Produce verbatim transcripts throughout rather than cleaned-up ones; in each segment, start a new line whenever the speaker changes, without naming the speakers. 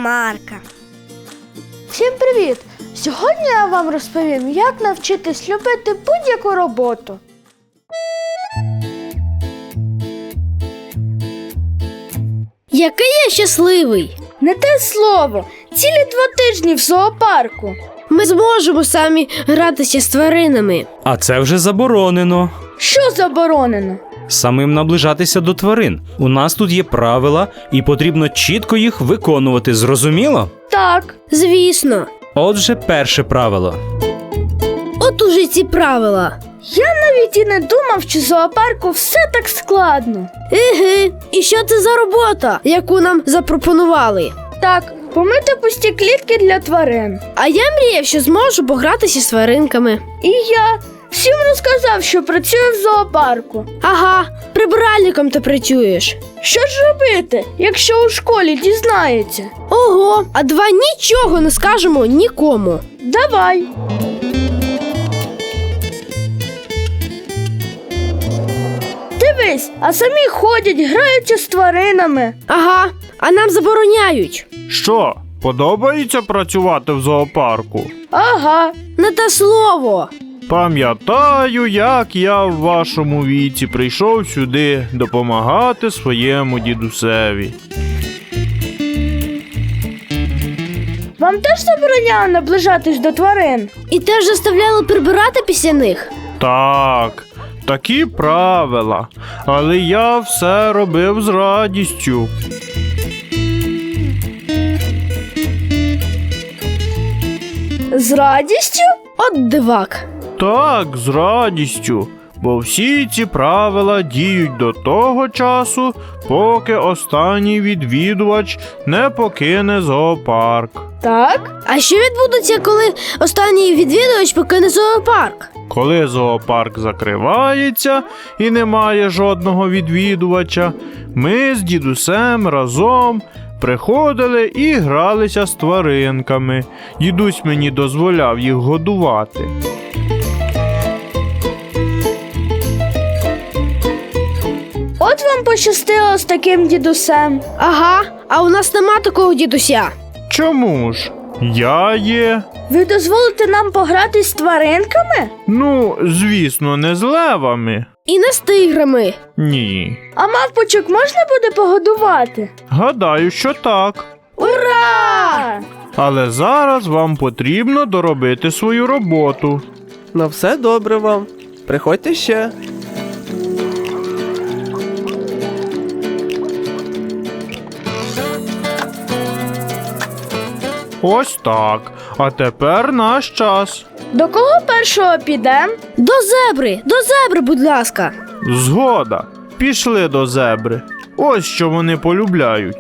Марка.
Всім привіт! Сьогодні я вам розповім, як навчитись любити будь-яку роботу.
Який я щасливий!
Не те слово! Цілі два тижні в зоопарку.
Ми зможемо самі гратися з тваринами.
А це вже заборонено.
Що заборонено?
Самим наближатися до тварин. У нас тут є правила, і потрібно чітко їх виконувати, зрозуміло?
Так.
Звісно.
Отже, перше правило.
От уже ці правила.
Я навіть і не думав, що в зоопарку все так складно.
Еге, і що це за робота, яку нам запропонували?
Так, помити пусті клітки для тварин.
А я мріяв, що зможу погратися з тваринками.
І я всім розказав, що працюю в зоопарку.
Ага, прибиральником ти працюєш.
Що ж робити, якщо у школі дізнаються?
Ого, а давай нічого не скажемо нікому.
Давай. Дивись, а самі ходять, граються з тваринами.
Ага, а нам забороняють.
Що, подобається працювати в зоопарку?
Ага.
Не те слово.
Пам'ятаю, як я в вашому віці прийшов сюди допомагати своєму дідусеві.
Вам теж забороняли наближатись до тварин?
І теж заставляли прибирати після них?
Так, такі правила, але я все робив з радістю.
З радістю?
От дивак.
Так, з радістю, бо всі ці правила діють до того часу, поки останній відвідувач не покине зоопарк.
Так.
А що відбудеться, коли останній відвідувач покине зоопарк?
Коли зоопарк закривається і немає жодного відвідувача, ми з дідусем разом приходили і гралися з тваринками. Дідусь мені дозволяв їх годувати.
От вам пощастило з таким дідусем.
Ага, а у нас нема такого дідуся.
Чому ж? Я є.
Ви дозволите нам погратись з тваринками?
Ну, звісно, не з левами.
І не з тиграми.
Ні.
А мавпочок можна буде погодувати?
Гадаю, що так.
Ура!
Але зараз вам потрібно доробити свою роботу.
На все добре вам. Приходьте ще.
Ось так. А тепер наш час.
До кого першого підем?
До зебри, до зебри, будь ласка.
Згода. Пішли до зебри. Ось що вони полюбляють.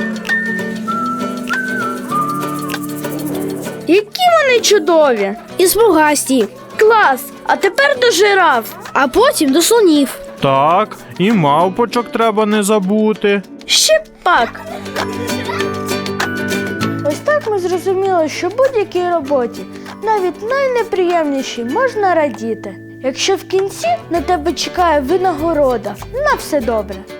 Які вони чудові!
І смугасті.
Клас! А тепер до жираф.
А потім до слонів.
Так, і мавпочок треба не забути.
Ще пак. Ось так ми зрозуміли, що будь-якій роботі, навіть найнеприємнішій, можна радіти, якщо в кінці на тебе чекає винагорода. На все добре.